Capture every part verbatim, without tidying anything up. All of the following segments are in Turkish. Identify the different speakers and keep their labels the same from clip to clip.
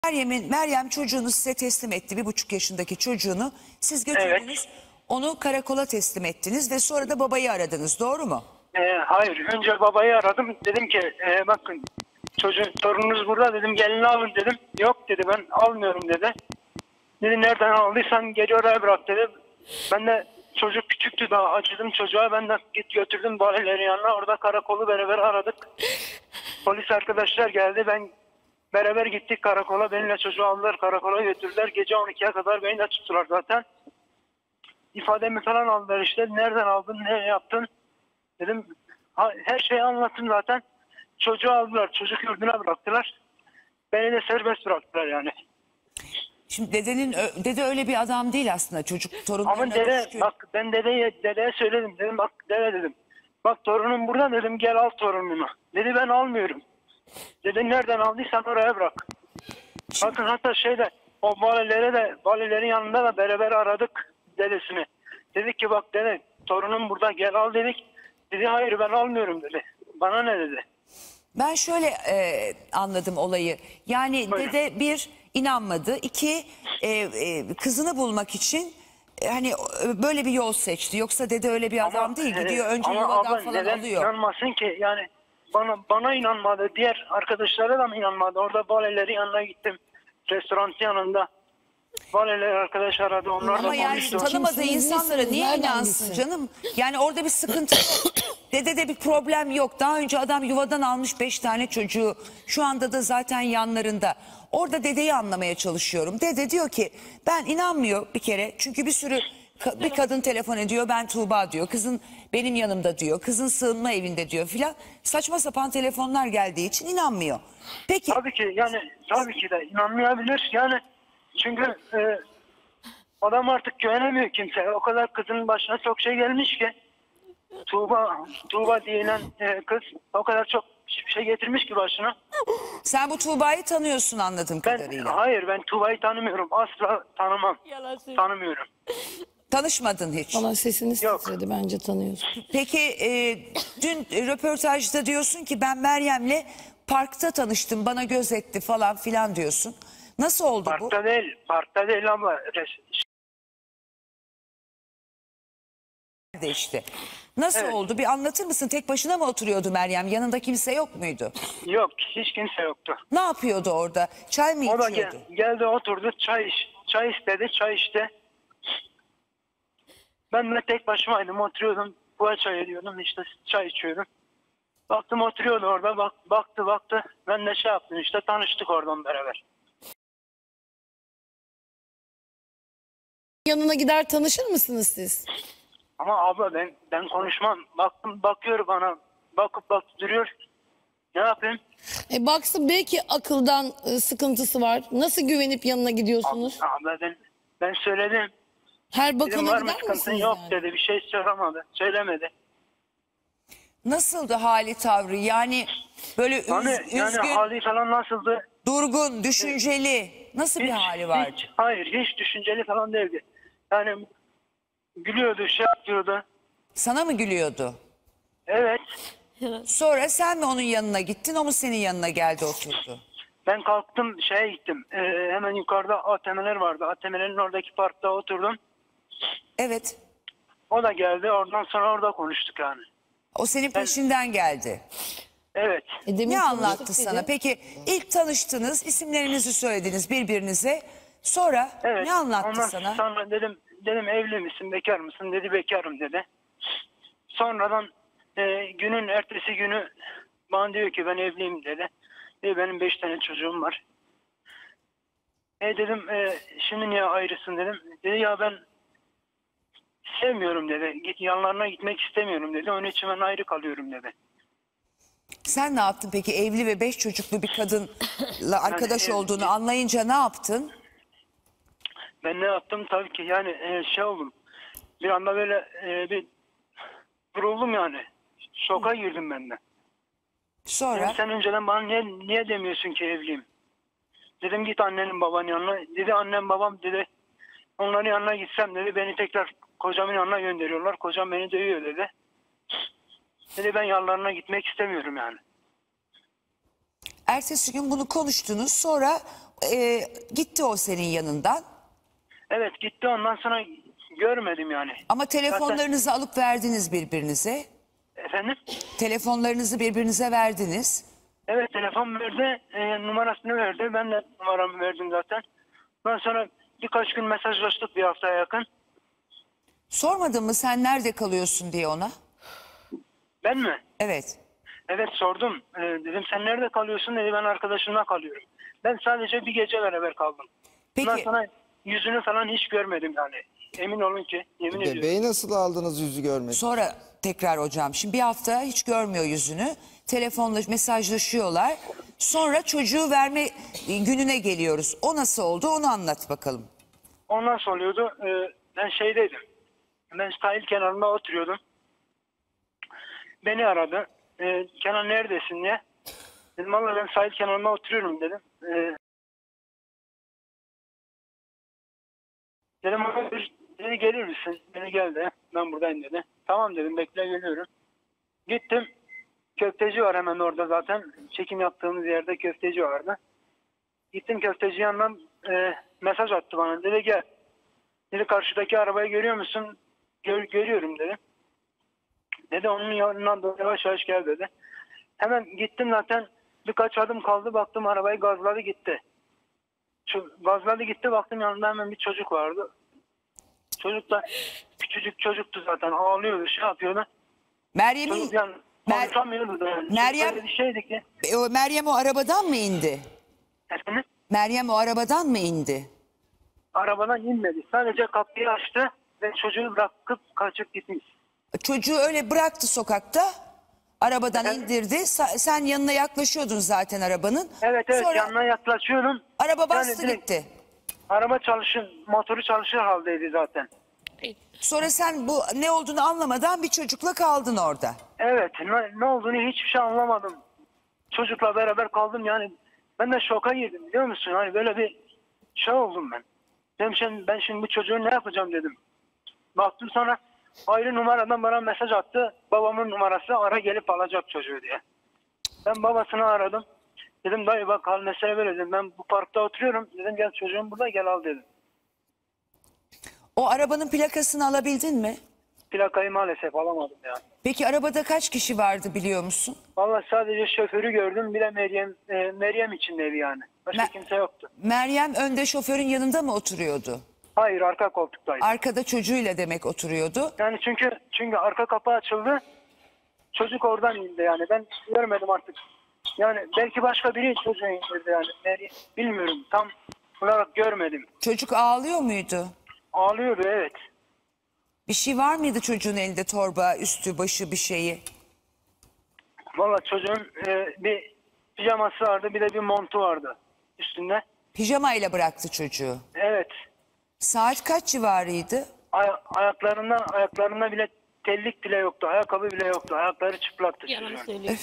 Speaker 1: Meryem'in Meryem çocuğunu size teslim etti. Bir buçuk yaşındaki çocuğunu. Siz götürdünüz.
Speaker 2: Evet.
Speaker 1: Onu karakola teslim ettiniz ve sonra da babayı aradınız. Doğru mu?
Speaker 2: Ee, hayır. Önce babayı aradım. Dedim ki e, bakın çocuğun torununuz burada dedim. Gelini alın dedim. Yok dedi, ben almıyorum dedi. Dedi nereden aldıysan geri oraya bırak dedi. Ben de çocuk küçüktü, daha acıdım çocuğa. Ben de git götürdüm valilerin yanına. Orada karakolu beraber aradık. Polis arkadaşlar geldi. Ben beraber gittik karakola. Benimle çocuğu aldılar, karakola götürdüler. Gece on ikiye kadar beni de tuttular zaten. İfademi falan aldılar işte. Nereden aldın, ne yaptın? Dedim ha, her şeyi anlattım zaten. Çocuğu aldılar, çocuk yurduna bıraktılar. Beni de serbest bıraktılar yani.
Speaker 1: Şimdi dedenin ö- dede öyle bir adam değil aslında. Çocuk torunlarına
Speaker 2: Ama dede
Speaker 1: düşkün.
Speaker 2: bak, ben dedeye, dedeye söyledim. Dedim bak dede dedim. Bak torunum burada dedim, gel al torununu. Dedi ben almıyorum. Dedi nereden aldıysan oraya bırak. Bakın hatta şeyde o valilere de valilerin yanında da beraber aradık dedesini. Dedik ki bak dede torunum burada, gel al dedik. Dedi hayır ben almıyorum dedi. Bana ne dedi.
Speaker 1: Ben şöyle e, anladım olayı. Yani
Speaker 2: Buyurun.
Speaker 1: dede bir inanmadı. İki e, e, kızını bulmak için e, hani e, böyle bir yol seçti. Yoksa dede öyle bir adam değil.
Speaker 2: e,
Speaker 1: Gidiyor önce
Speaker 2: ama
Speaker 1: yuvadan
Speaker 2: abla
Speaker 1: falan
Speaker 2: neden
Speaker 1: alıyor.
Speaker 2: inanmasın ki yani bana bana inanmadı. Diğer arkadaşlara da mı inanmadı? Orada valilerin yanına gittim. Restoran yanında. Valiler arkadaş aradı. Onlar
Speaker 1: Ama
Speaker 2: da
Speaker 1: yani
Speaker 2: konuştu.
Speaker 1: tanımadığı
Speaker 3: Kimsiniz,
Speaker 1: insanlara
Speaker 3: nesiniz,
Speaker 1: niye
Speaker 3: nereden
Speaker 1: inansın
Speaker 3: bilsin?
Speaker 1: canım? Yani orada bir sıkıntı yok. Dedede bir problem yok. Daha önce adam yuvadan almış beş tane çocuğu. Şu anda da zaten yanlarında. Orada dedeyi anlamaya çalışıyorum. Dede diyor ki ben inanmıyor bir kere. Çünkü bir sürü ka- bir kadın telefon ediyor, ben Tuğba diyor. Kızın benim yanımda diyor. Kızın sığınma evinde diyor filan. Saçma sapan telefonlar geldiği için inanmıyor. Peki
Speaker 2: Tabii ki yani tabii ki de inanmayabilir. Yani çünkü e, adam artık güvenemiyor kimseye. O kadar kızın başına çok şey gelmiş ki. Tuğba, Tuğba denilen e, kız o kadar çok şey getirmiş ki başına.
Speaker 1: sen bu Tuğba'yı tanıyorsun anladığım
Speaker 2: Ben
Speaker 1: kadarıyla.
Speaker 2: hayır, ben Tuğba'yı tanımıyorum. Asla tanımam. Tanımıyorum.
Speaker 1: Tanışmadın hiç.
Speaker 3: Valla sesiniz
Speaker 2: Yok.
Speaker 3: titredi, bence tanıyorsun.
Speaker 1: Peki e, dün röportajda diyorsun ki ben Meryem'le parkta tanıştım, bana göz etti falan filan diyorsun. Nasıl oldu bu?
Speaker 2: Parkta değil, parkta değil ama res-
Speaker 1: De işte. Nasıl
Speaker 2: Evet.
Speaker 1: oldu? Bir anlatır mısın? Tek başına mı oturuyordu Meryem? Yanında kimse yok muydu?
Speaker 2: yok, hiç kimse yoktu.
Speaker 1: Ne yapıyordu orada? Çay mı
Speaker 2: O da
Speaker 1: içiyordu?
Speaker 2: gel, geldi oturdu, çay iç, çay istedi, çay içti. Ben de tek başımaydım, oturuyordum. Bu çay ediyordum, işte çay içiyordum. Baktım oturuyordu orada, bak, baktı baktı. Ben de şey yaptım, işte tanıştık oradan beraber.
Speaker 3: Yanına gider tanışır mısınız siz?
Speaker 2: Ama abla ben ben konuşmam. Baktım, bakıyor bana, bakıp bakıp duruyor. Ne yapayım?
Speaker 3: E baksın, belki akıldan e, sıkıntısı var. Nasıl güvenip yanına gidiyorsunuz?
Speaker 2: Abla ben ben söyledim.
Speaker 3: Her
Speaker 2: Dedim
Speaker 3: bakana
Speaker 2: var mı
Speaker 3: gider
Speaker 2: sıkıntın,
Speaker 3: misiniz
Speaker 2: yok
Speaker 3: yani?
Speaker 2: dedi. Bir şey söylemedi. Söylemedi.
Speaker 1: Nasıldı hali tavrı? Yani böyle üz-
Speaker 2: Hani yani
Speaker 1: üzgün,
Speaker 2: hali falan nasıldı?
Speaker 1: durgun, düşünceli. Nasıl bir hali vardı?
Speaker 2: Hiç, hayır, hiç düşünceli falan değildi. Yani gülüyordu, şey yapıyordu.
Speaker 1: Sana mı gülüyordu?
Speaker 2: Evet.
Speaker 1: Sonra sen mi onun yanına gittin, o mu senin yanına geldi oturdu?
Speaker 2: Ben kalktım, şeye gittim. Ee, hemen yukarıda A T M'ler vardı. A T M'lerin oradaki parkta oturdum.
Speaker 1: Evet.
Speaker 2: O da geldi. Oradan sonra orada konuştuk yani.
Speaker 1: O senin peşinden geldi.
Speaker 2: Evet.
Speaker 3: E demin
Speaker 1: Ne
Speaker 3: tanıştık
Speaker 1: anlattı
Speaker 3: dedi.
Speaker 1: sana? Peki ilk tanıştınız, isimlerinizi söylediniz birbirinize. Sonra
Speaker 2: Evet.
Speaker 1: ne anlattı
Speaker 2: Ondan
Speaker 1: sana?
Speaker 2: sonra dedim dedim evli misin, bekar mısın? Dedi bekarım dedi. Sonradan e, günün ertesi günü bana diyor ki ben evliyim dedi. E, benim beş tane çocuğum var. E dedim e, şimdi niye ayrısın dedim. Dedi ya ben sevmiyorum dedi. Git yanlarına gitmek istemiyorum dedi. Onun için ben ayrı kalıyorum dedi.
Speaker 1: Sen ne yaptın peki? Evli ve beş çocuklu bir kadınla arkadaş
Speaker 2: evli-
Speaker 1: olduğunu anlayınca ne yaptın?
Speaker 2: Ben ne yaptım tabii ki yani e, şey oldum. Bir anda böyle e, bir vuruldum yani. Şoka girdim ben de.
Speaker 1: Sonra
Speaker 2: Dedim, sen önceden bana niye, niye demiyorsun ki evliyim? Dedim git annenin babanın yanına. Dedi annem babam dedi. Onların yanına gitsem dedi beni tekrar kocamın yanına gönderiyorlar. Kocam beni dövüyor dedi. Dedi ben yanlarına gitmek istemiyorum yani.
Speaker 1: ertesi gün bunu konuştunuz. Sonra e, gitti o senin yanından.
Speaker 2: Evet gitti, ondan sonra görmedim yani.
Speaker 1: Ama telefonlarınızı alıp verdiniz birbirinize.
Speaker 2: Efendim?
Speaker 1: Telefonlarınızı birbirinize verdiniz.
Speaker 2: Evet telefon verdi, e, numarasını verdi. Ben de numaramı verdim zaten. Ondan sonra birkaç gün mesajlaştık, bir haftaya yakın.
Speaker 1: Sormadın mı sen nerede kalıyorsun diye ona?
Speaker 2: Ben mi?
Speaker 1: Evet.
Speaker 2: Evet sordum. E, dedim sen nerede kalıyorsun dedi, ben arkadaşımla kalıyorum. Ben sadece bir gece beraber kaldım. Ondan
Speaker 1: Peki
Speaker 2: sonra yüzünü falan hiç görmedim yani. Emin olun ki, yemin ediyorum.
Speaker 4: Bebeği nasıl aldınız yüzü görmek?
Speaker 1: sonra tekrar hocam şimdi bir hafta hiç görmüyor yüzünü. Telefonla mesajlaşıyorlar. Sonra çocuğu verme gününe geliyoruz. O nasıl oldu onu anlat bakalım.
Speaker 2: O nasıl oluyordu? Ee, ben şeydeydim. Ben sahil kenarında oturuyordum. Beni aradı. Ee, Kenan neredesin diye. Dedim valla ben sahil kenarında oturuyorum dedim. Ee, dedim "Abi, dedi gelir misin? Beni geldi. Ben buradayım dedi. Tamam dedim, bekle geliyorum. Gittim. Köfteci var hemen orada zaten. Çekim yaptığımız yerde köfteci vardı. Gittim köfteci yanından e, mesaj attı bana. Dedi gel. Dedi karşıdaki arabayı görüyor musun? Gör, görüyorum dedi. Dedi onun yanından doğru yavaş yavaş gel dedi. Hemen gittim zaten, birkaç adım kaldı, baktım arabayı gazladı gitti. Şu, gazladı gitti, baktım yanında hemen bir çocuk vardı. Çocuk da küçücük çocuktu zaten, ağlıyordu, şey yapıyordu.
Speaker 1: Meryem'in
Speaker 2: Çocuk yani
Speaker 1: Mer-
Speaker 2: konuşamıyordu da yani.
Speaker 1: Meryem-
Speaker 2: Çok öyle bir şeydi ki.
Speaker 1: E, o Meryem o arabadan mı indi?
Speaker 2: Efendim?
Speaker 1: Meryem o arabadan mı indi?
Speaker 2: Arabadan inmedi. Sadece kapıyı açtı ve çocuğu bırakıp kaçıp gitmiş.
Speaker 1: Çocuğu öyle bıraktı sokakta. Arabadan
Speaker 2: Evet.
Speaker 1: indirdi. Sa- sen yanına yaklaşıyordun zaten arabanın.
Speaker 2: Evet evet,
Speaker 1: Sonra
Speaker 2: yanına yaklaşıyorum.
Speaker 1: araba bastı
Speaker 2: Yani direkt
Speaker 1: gitti.
Speaker 2: Araba çalışır, motoru çalışır haldeydi zaten.
Speaker 1: Sonra sen bu ne olduğunu anlamadan bir çocukla kaldın orada.
Speaker 2: Evet, ne, ne olduğunu hiçbir şey anlamadım. Çocukla beraber kaldım yani. Ben de şoka girdim, biliyor musun? Hani böyle bir şey oldum ben. Dedim şimdi, ben şimdi bu çocuğu ne yapacağım dedim. Baktım sonra ayrı numaradan bana mesaj attı. Babamın numarası, ara gelip alacak çocuğu diye. Ben babasını aradım. Dedim dayı bak hal mesele böyle dedim. Ben bu parkta oturuyorum. Dedim gel çocuğum burada, gel al dedim.
Speaker 1: O arabanın plakasını alabildin mi?
Speaker 2: Plakayı maalesef alamadım ya.
Speaker 1: Peki arabada kaç kişi vardı biliyor musun?
Speaker 2: Vallahi sadece şoförü gördüm. Bir de Meryem e, Meryem içindeydi yani. Başka
Speaker 1: Me-
Speaker 2: kimse yoktu.
Speaker 1: Meryem önde şoförün yanında mı oturuyordu?
Speaker 2: Hayır, arka koltuktaydı.
Speaker 1: Arkada çocuğuyla demek oturuyordu.
Speaker 2: Yani çünkü çünkü arka kapı açıldı. Çocuk oradan indi yani. Ben görmedim artık. Yani belki başka biri çocuğu indirdi yani. Meryem, bilmiyorum. Tam olarak görmedim.
Speaker 1: Çocuk ağlıyor muydu?
Speaker 2: Ağlıyordu evet.
Speaker 1: Bir şey var mıydı çocuğun elinde, torba, üstü, başı bir şeyi?
Speaker 2: Vallahi çocuğun e, bir pijaması vardı, bir de bir montu vardı üstünde.
Speaker 1: Pijamayla bıraktı çocuğu.
Speaker 2: Evet.
Speaker 1: Saat kaç civarıydı?
Speaker 2: Ay- ayaklarında ayaklarında bile tellik bile yoktu. Ayakkabı bile yoktu. Ayakları çıplaktı
Speaker 3: Yalan
Speaker 2: çocuğun.
Speaker 3: söylüyor.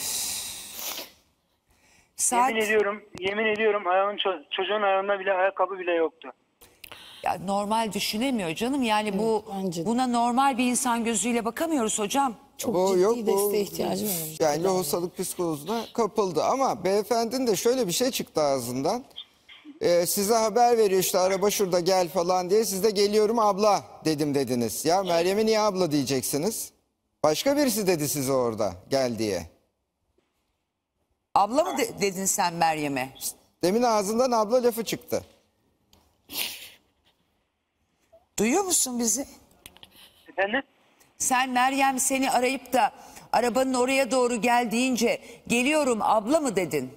Speaker 1: Saat
Speaker 2: Yemin ediyorum, yemin ediyorum ayağın ço- çocuğun ayağında bile ayakkabı bile yoktu.
Speaker 1: ya normal düşünemiyor canım. Yani bu
Speaker 3: bence de.
Speaker 1: buna normal bir insan gözüyle bakamıyoruz hocam.
Speaker 3: Çok
Speaker 4: Bu
Speaker 3: ciddi
Speaker 4: yok, bu-
Speaker 3: desteğe ihtiyacım var.
Speaker 4: Yani lohusalık psikozuna kapıldı. Ama beyefendinin de şöyle bir şey çıktı ağzından. Ee, size haber veriyor işte araba şurada gel falan diye. Siz de geliyorum abla dedim dediniz. Ya Meryem'e niye abla diyeceksiniz? Başka birisi dedi size orada gel diye.
Speaker 1: Abla mı de- dedin sen Meryem'e?
Speaker 4: Demin ağzından abla lafı çıktı.
Speaker 1: Duyuyor musun bizi?
Speaker 2: Efendim?
Speaker 1: Sen Meryem seni arayıp da arabanın oraya doğru gel deyince geliyorum abla mı dedin?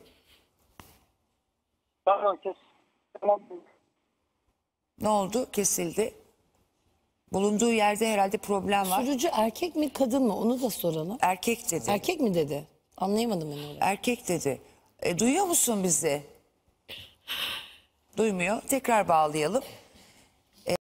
Speaker 2: Tamam kes. Tamam.
Speaker 1: Ne oldu? Kesildi. Bulunduğu yerde herhalde problem var.
Speaker 3: Sürücü erkek mi kadın mı onu da soralım.
Speaker 1: Erkek dedi.
Speaker 3: Erkek mi dedi? Anlayamadım ben öyle.
Speaker 1: Erkek dedi. E, duyuyor musun bizi? Duymuyor. Tekrar bağlayalım.